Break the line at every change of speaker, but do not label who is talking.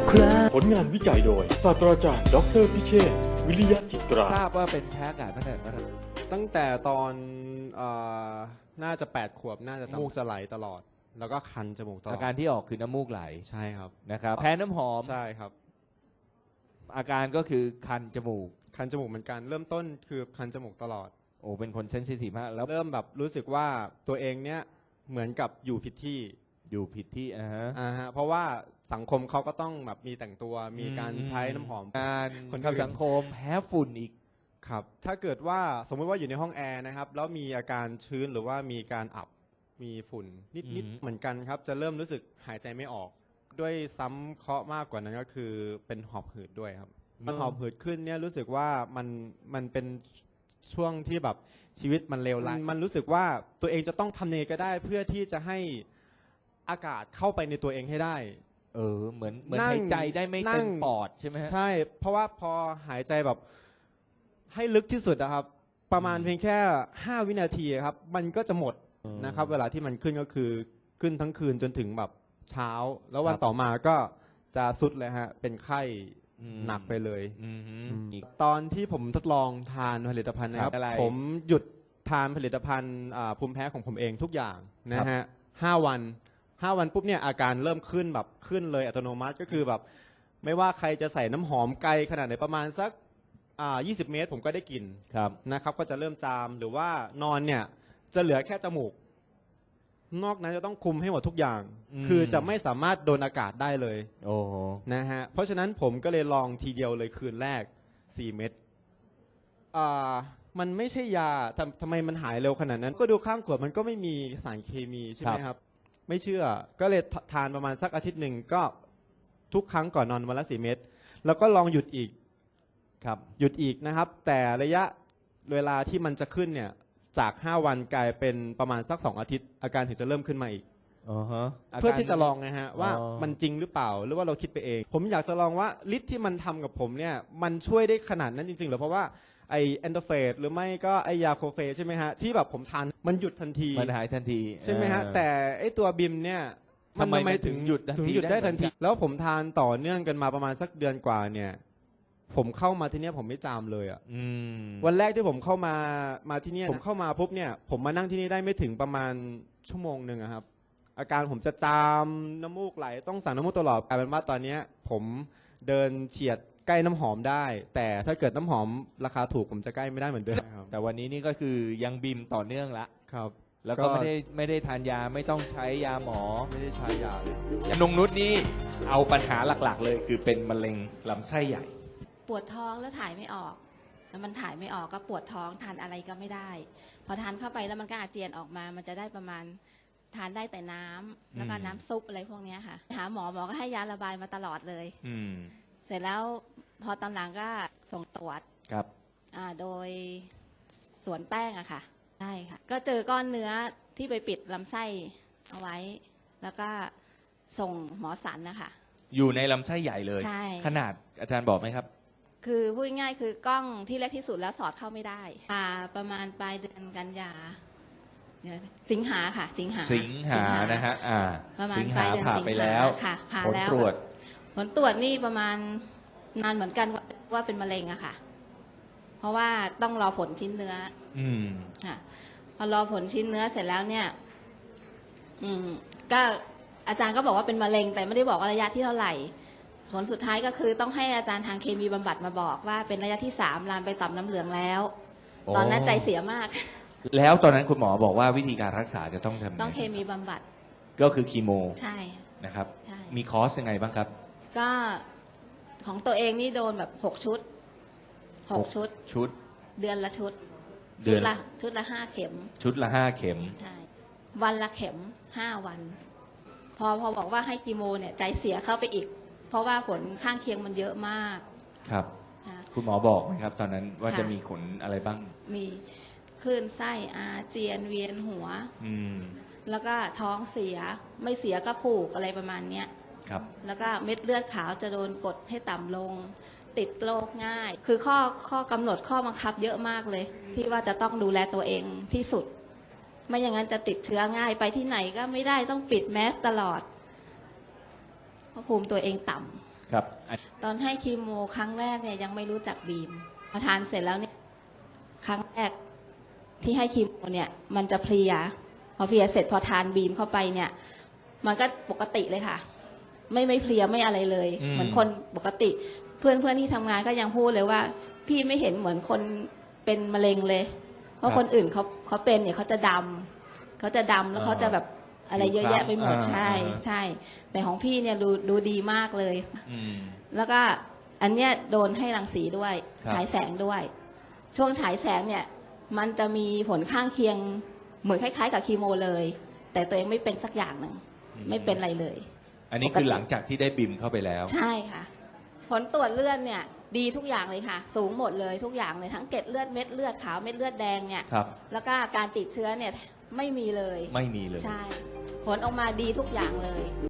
ครา
ผลงานวิจัยโดยศาสตราจารย์ดออเตอร์พิเชษฐ์วิริยะจิตรา
ทราบว่าเป็นแพ้อากาศตั้งแต่เมื่อไหร่
ตั้งแต่ตอนน่าจะ8 ขวบน่าจะมูกจะไหลตลอด แล้วก็คันจมูกตลอ
อา
ด
การที่ออกคือน้ำมูกไหล
ใช่ครับ
นะครับแพ้น้ำหอม
ใช่ครับ
อาการก็คือคันจมูก
คันจมูกเหมือนกันเริ่มต้นคือคันจมูกตลอด
โอ้เป็นคนเซนซิทีฟมากแล้ว
เริ่มแบบรู้สึกว่าตัวเองเนี้ยเหมือนกับอยู่ผิดที่
อยู่ผิดที่
เพราะว่าสังคมเขาก็ต้องแบบมีแต่งตัวมีการใช้น้ำหอม
การ
คน
เข้า
อื่น
สังคมแพ้ฝุ่นอีก
ครับถ้าเกิดว่าสมมุติว่าอยู่ในห้องแอร์นะครับแล้วมีอาการชื้นหรือว่ามีการอับมีฝุ่นนิดๆเหมือนกันครับจะเริ่มรู้สึกหายใจไม่ออก ด้วยซ้ำเคราะห์มากกว่านั้นก็คือเป็นหอบหืดด้วยครับมันหอบหืดขึ้นเนี่ยรู้สึกว่ามันเป็นช่วงที่แบบชีวิตมันเลวร้ายมันรู้สึกว่าตัวเองจะต้องทำเนก็ได้เพื่อที่จะให้อากาศเข้าไปในตัวเองให้ได้
เหมือน
นั่ง
หายใจได้ไม่
นั่
เต็
ง
มปอดใช่ไหมฮะ
ใช่เพราะว่าพอหายใจแบบให้ลึกที่สุดนะครับประมาณเพียงแค่5 วินาทีครับมันก็จะหมดนะครับเวลาที่มันขึ้นก็คือขึ้นทั้งคืนจนถึงแบบเช้า แล้ววันต่อมาก็จะสุดเลยฮะเป็นไข้หนักไปเลยตอนที่ผมทดลองทานผลิตภัณฑ์นะครับผมหยุดทานผลิตภัณฑ์ภูมิแพ้ของผมเองทุกอย่างนะฮะ5 วันปุ๊บเนี่ยอาการเริ่มขึ้นแบบขึ้นเลยอัตโนมัติก็คือแบบไม่ว่าใครจะใส่น้ำหอมไกลขนาดไหนประมาณสัก20 เมตรผมก็ได้กลิ่นนะครับก็จะเริ่มจามหรือว่านอนเนี่ยจะเหลือแค่จมูกนอกนั้นจะต้องคุมให้หมดทุกอย่างคือจะไม่สามารถโดนอากาศได้เลยนะฮะเพราะฉะนั้นผมก็เลยลองทีเดียวเลยคืนแรก4 เม็ดมันไม่ใช่ยาทำไมมันหายเร็วขนาดนั้นก็ดูข้างขวดมันก็ไม่มีสารเคมีใช่ไหมครับไม่เชื่อก็เลยทานประมาณสักอาทิตย์หนึ่งก็ทุกครั้งก่อนนอนวันละ4 เม็ดแล้วก็ลองหยุดอีกหยุดอีกนะครับแต่ระยะเวลาที่มันจะขึ้นเนี่ยจาก5 วันกลายเป็นประมาณสัก2 อาทิตย์อาการถึงจะเริ่มขึ้นมาอีกเพื่อที่จะลองนะฮะว่ามันจริงหรือเปล่าหรือว่าเราคิดไปเองผมอยากจะลองว่าฤทธิ์ที่มันทำกับผมเนี่ยมันช่วยได้ขนาดนั้นจริงๆหรือเพราะว่าไอแอนโดรฟินหรือไม่ก็ไอยาโคเฟใช่ไหมฮะที่แบบผมทานมันหยุดทันที
มันหายทันที
ใช่ไหมฮะแต่ไอตัวบิมเนี่ย
ทำไมถึงหยุด
ได้ทันทีแล้วผมทานต่อเนื่องกันมาประมาณสักเดือนกว่าเนี่ยผมเข้ามาที่นี่ผมไม่จามเลยอ่ะวันแรกที่ผมเข้ามาที่นี่ผมเข้ามาปุ๊บเนี่ยผมมานั่งที่นี่ได้ไม่ถึงประมาณ1 ชั่วโมงครับอาการผมจะจามน้ำมูกไหลต้องสั่งน้ำมูกตลอดกลายเป็นว่าตอนนี้ผมเดินเฉียดใกล้น้ำหอมได้แต่ถ้าเกิดน้ำหอมราคาถูกผมจะใกล้ไม่ได้เหมือนเดิม
แต่วันนี้นี่ก็คือยังบิมต่อเนื่องละ
ครับ
แล้วก็ไม่ได้ทานยาไม่ต้องใช้ยาหมอ
ไม่ได้ใช้ยาเลย
นงนุชนี่เอาปัญหาหลักๆเลยคือเป็นมะเร็งลำไส้ใหญ่
ปวดท้องแล้วถ่ายไม่ออกแล้วมันถ่ายไม่ออกก็ปวดท้องทานอะไรก็ไม่ได้พอทานเข้าไปแล้วมันก็อาเจียนออกมามันจะได้ประมาณทานได้แต่น้ำแล้วก็น้ำซุปอะไรพวกนี้ค่ะหาหมอก็ให้ยาระบายมาตลอดเลยเสร็จแล้วพอตอนหลังก็ส่งตรวจ
ครับ
โดยสวนแป้งอะค่ะใช่ค่ะก็เจอก้อนเนื้อที่ไปปิดลำไส้เอาไว้แล้วก็ส่งหมอสันนะคะ
อยู่ในลำไส้ใหญ่เลย
ใช่
ขนาดอาจารย์บอกไหมครับ
คือพูดง่ายๆคือกล้องที่เล็กที่สุดแล้วสอดเข้าไม่ได้ประมาณปลายเดือนกันยาสิงหาค่ะสิงหา
นะฮะ
ประมาณปลายเดือนสิงหาค่ะผ่าแล้วผลตรวจนี่ประมาณนานเหมือนกันว่าเป็นมะเร็งอะค่ะเพราะว่าต้องรอผลชิ้นเนื้อค่ะพอรอผลชิ้นเนื้อเสร็จแล้วเนี่ยก็อาจารย์ก็บอกว่าเป็นมะเร็งแต่ไม่ได้บอกว่าระยะที่เท่าไหร่ผลสุดท้ายก็คือต้องให้อาจารย์ทางเคมีบำบัดมาบอกว่าเป็นระยะที่3ลามไปต่อมน้ำเหลืองแล้วตอนนั้นใจเสียมาก
แล้วตอนนั้นคุณหมอบอกว่าวิธีการรักษาจะต้องทำ
ต้องเคมีบำบัด
ก็คือคีโม
ใช่
นะครับมีคอร์สยังไงบ้างครับ
ก็ของตัวเองนี่โดนแบบ6 ชุดเดือนละชุดละ5 เข็ม
ชุดละ5 เข็ม
ใช่วันละเข็ม5 วันพอบอกว่าให้คีโมเนี่ยใจเสียเข้าไปอีกเพราะว่าผลข้างเคียงมันเยอะมาก
ครับคุณหมอบอกไหมครับตอนนั้นว่าจะมีผลอะไรบ้าง
มีคลื่นไส้อาเจียนเวียนหัวแล้วก็ท้องเสียไม่เสียก็ผูกอะไรประมาณเนี้ย
ครับ
แล้วก็เม็ดเลือดขาวจะโดนกดให้ต่ำลงติดโรคง่ายคือข้อกำหนดข้อบังคับเยอะมากเลยที่ว่าจะต้องดูแลตัวเองที่สุดไม่อย่างนั้นจะติดเชื้อง่ายไปที่ไหนก็ไม่ได้ต้องปิดแมสตลอดเพราะภูมิตัวเองต่
ครับ
ตอนให้คีโมครั้งแรกเนี่ยยังไม่รู้จักบีมพอทานเสร็จแล้วเนี่ยครั้งแรกที่ให้คีโมเนี่ยมันจะเพลียพอเพลียเสร็จพอทานบีมเข้าไปเนี่ย มันก็ปกติเลยค่ะ ไม่เพลียไม่อะไรเลย เหมือนคนปกติ เพื่อนที่ทำงานก็ยังพูดเลยว่า พี่ไม่เห็นเหมือนคนเป็นมะเร็งเลยเพราะคนอื่นเขาเป็นเนี่ยเขาจะดำแล้วเขาจะแบบอะไรเยอะแยะไปหมดใช่แต่ของพี่เนี่ยดูดีมากเลย แล้วก็อันเนี้ยโดนให้รังสีด้วยฉายแสงด้วย ช่วงฉายแสงเนี่ยมันจะมีผลข้างเคียงเหมือนคล้ายๆกับคีโมเลย แต่ตัวเองไม่เป็นสักอย่างหนึ่งไม่เป็นอะไรเลย
อันนี้คือหลังจากที่ได้บิมเข้าไปแล้ว
ใช่ค่ะ ผลตรวจเลือดเนี่ยดีทุกอย่างเลยค่ะ สูงหมดเลยทุกอย่างเลยทั้งเกล็ดเลือดเม็ดเลือดขาวเม็ดเลือดแดงเนี่ย
ครับ
แล้วก็การติดเชื้อเนี่ยไม่มีเลย
ไม่มีเลย
ใช่ ผลออกมาดีทุกอย่างเลย